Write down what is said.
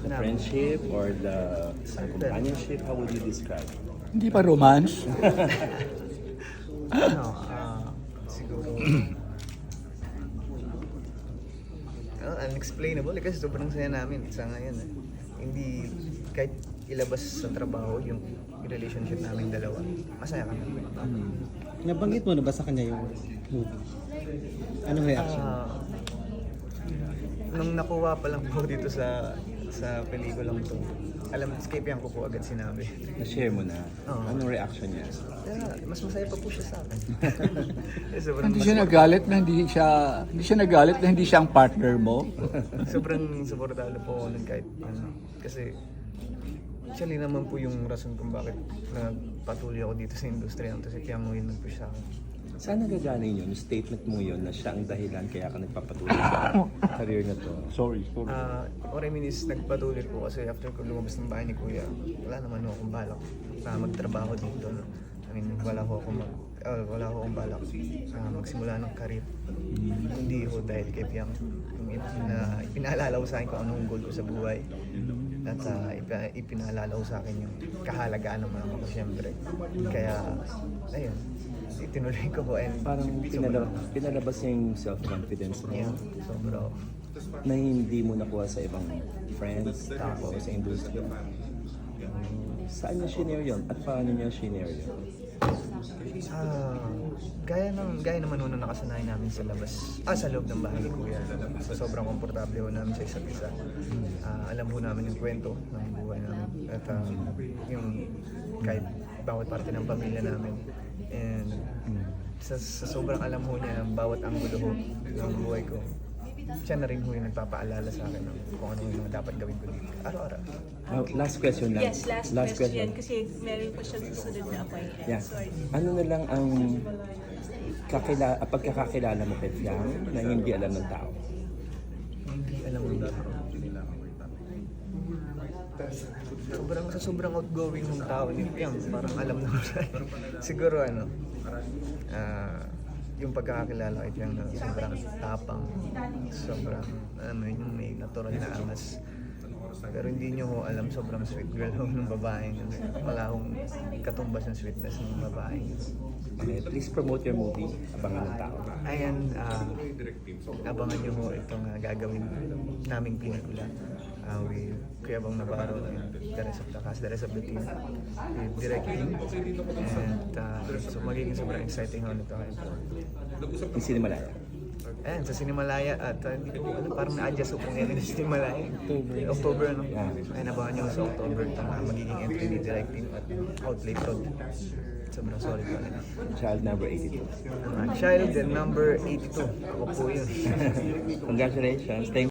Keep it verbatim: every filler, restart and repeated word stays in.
The Na- friendship or the companionship, how would you describe? Hindi pa romance? ano, ah, siguro, ano, unexplainable eh, kasi sobrang saya namin sa ngayon eh. Hindi, kahit ilabas sa trabaho yung relationship namin dalawa, masaya kami. Nabanggit mo na ba sa kanya yung movie? Anong reaction? Ah, nung nakuha pa lang po dito sa sa pelikulang to, alam, escape yan ko po agad sinabi. Na-share mo na. Oo. Anong reaction niya? Kaya, mas masaya pa po siya sa akin. Eh, sobrang Hindi mas- siya nagalit na hindi siya hindi siya nagalit na hindi siya ang partner mo. Sobrang suportado po ako nun kahit ano. Kasi actually naman po yung rason kung bakit nagpatuloy ako dito sa industriya. Kasi kaya mo yun nag-push sa akin. Saan nagagaling yun? Yung statement mo yun na siya ang dahilan kaya ka nagpapatuloy sa career na to. Sorry, sorry. Ah, what I mean is nagpatuloy po kasi after ko lumabas ng bahay ni Kuya, wala naman ako akong balak na magtrabaho dito. No? I mean, wala ko akong mag, uh, wala ko akong balak na magsimula ng career. Hindi ko dahil kay Piang. Yung ip- na ipinaalala ko sa akin kung anong goal ko sa buhay. At uh, ip- ipinaalala ko sa akin yung kahalagaan ng mama ko siyempre. Kaya, ayun, itinuloy ko po and Parang pinalabas, pinalabas niya yung self-confidence mo yeah, sobra. na hindi mo nakuha sa ibang friends o sa industry. Saan niya shinare yun? At paano niya shinare yun? Ah, gaya ng gaya naman nung nakasanayan namin sa labas, ah sa loob ng bahay ni Kuya. So, sobrang komportable ho namin sa isa't isa. Ah, alam ho namin yung kwento ng buhay namin at ah, yung kahit bawat parte ng pamilya namin. And sa, sa sobrang alam ho niya ng bawat anggulo ho ng buhay ko, siya na rin ho yung nagpapaalala sa akin ng kung ano yung mga dapat gawin ko dito. Araw-araw. Uh, last question lang. Yes, last, question, kasi meron pa siyang susunod na appointment. Yeah. Sorry. Ano na lang ang kakila, ah, pagkakakilala mo kay Fiang na hindi alam ng tao? Hindi alam mo ba? Sobrang sa sobrang outgoing ng tao ni Piang, parang alam na siya. Siguro ano, ah, yung pagkakakilala kay Piang na sobrang tapang, sobrang ano yung may natural na angas. Pero hindi nyo ho alam, sobrang sweet girl ho ng babaeng yun. Wala hong katumbas ng sweetness ng babaeng yun. Okay, please promote your movie, Abangan ng Tao. Ayan, ah, abangan nyo ho itong ah, gagawin naming pelikula. Uh, with Kuya Bong Navarro and the rest of the cast, the rest of the team. With directing. And uh, so magiging sobrang exciting ho nito. Yung Sinimalaya. Ayan, sa Sinimalaya at uh, hindi ko alam, parang na-adjust ko kung yan yung Sinimalaya. October. October, no? Yeah. Ayun, abangan nyo sa October itong uh, magiging entry ni directing at Outlet Road. Sobrang sorry po. Ano. Child number eighty-two. Uh, child and number eighty-two. Ako po yun. Congratulations. Thank